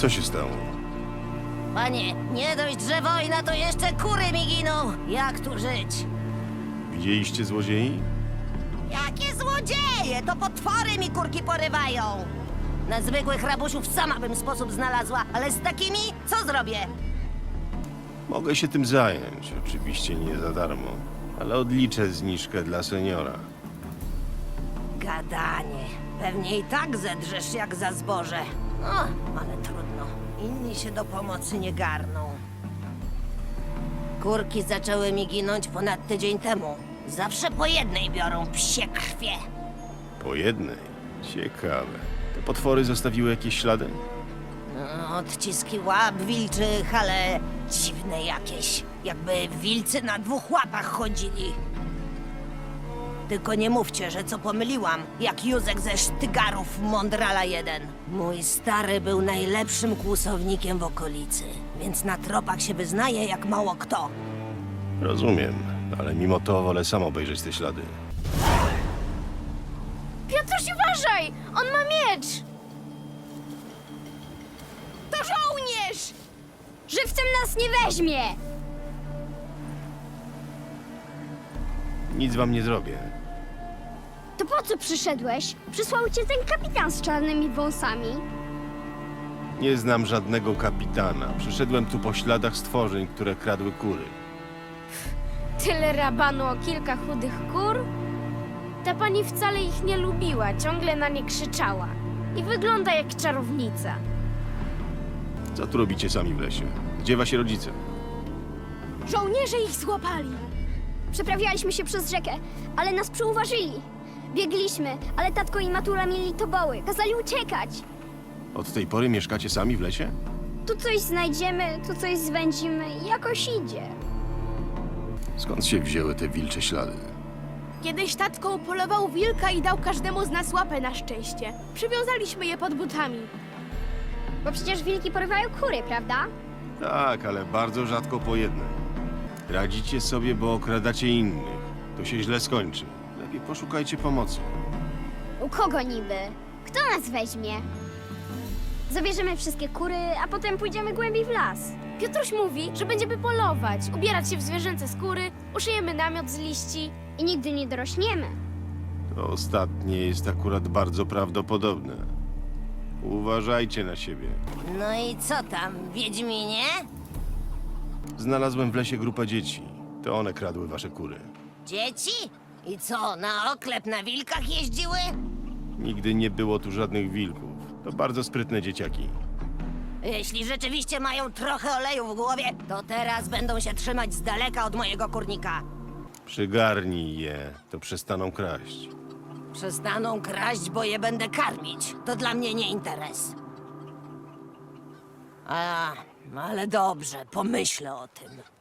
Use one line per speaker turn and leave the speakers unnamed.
Co się stało?
Panie, nie dość, że wojna, to jeszcze kury mi giną. Jak tu żyć?
Widzieliście złodziei?
Jakie złodzieje! To potwory mi kurki porywają. Na zwykłych rabusiów sama bym sposób znalazła, ale z takimi co zrobię?
Mogę się tym zająć, oczywiście nie za darmo, ale odliczę zniżkę dla seniora.
Gadanie. Pewnie i tak zedrzesz jak za zboże. No, ale trudno. Inni się do pomocy nie garną. Kurki zaczęły mi ginąć ponad tydzień temu. Zawsze po jednej biorą psie krwie.
Po jednej? Ciekawe. Te potwory zostawiły jakieś ślady?
No, odciski łap wilczych, ale dziwne jakieś. Jakby wilcy na dwóch łapach chodzili. Tylko nie mówcie, że co pomyliłam, jak Józek ze Sztygarów Mondrala 1. Mój stary był najlepszym kłusownikiem w okolicy, więc na tropach się wyznaje jak mało kto.
Rozumiem, ale mimo to wolę sam obejrzeć te ślady.
Piotruś, uważaj! On ma miecz! To żołnierz! Żywcem nas nie weźmie!
Nic wam nie zrobię.
To po co przyszedłeś? Przysłał cię ten kapitan z czarnymi wąsami.
Nie znam żadnego kapitana. Przyszedłem tu po śladach stworzeń, które kradły kury.
Tyle rabanu o kilka chudych kur? Ta pani wcale ich nie lubiła, ciągle na nie krzyczała. I wygląda jak czarownica.
Co tu robicie sami w lesie? Gdzie wasi rodzice?
Żołnierze ich złapali. Przeprawialiśmy się przez rzekę, ale nas przyuważyli. Biegliśmy, ale tatko i matula mieli toboły. Kazali uciekać.
Od tej pory mieszkacie sami w lesie?
Tu coś znajdziemy, tu coś zwędzimy i jakoś idzie.
Skąd się wzięły te wilcze ślady?
Kiedyś tatko upolował wilka i dał każdemu z nas łapę na szczęście. Przywiązaliśmy je pod butami.
Bo przecież wilki porywają kury, prawda?
Tak, ale bardzo rzadko po jednej. Radzicie sobie, bo okradacie innych. To się źle skończy. Lepiej poszukajcie pomocy.
U kogo niby? Kto nas weźmie? Zabierzemy wszystkie kury, a potem pójdziemy głębiej w las.
Piotruś mówi, że będziemy polować, ubierać się w zwierzęce skóry, uszyjemy namiot z liści.
I nigdy nie dorośniemy.
To ostatnie jest akurat bardzo prawdopodobne. Uważajcie na siebie.
No i co tam, Wiedźminie?
Znalazłem w lesie grupę dzieci. To one kradły wasze kury.
Dzieci? I co, na oklep na wilkach jeździły?
Nigdy nie było tu żadnych wilków. To bardzo sprytne dzieciaki.
Jeśli rzeczywiście mają trochę oleju w głowie, to teraz będą się trzymać z daleka od mojego kurnika.
Przygarnij je, to przestaną kraść.
Przestaną kraść, bo je będę karmić. To dla mnie nie interes. Ale dobrze, pomyślę o tym.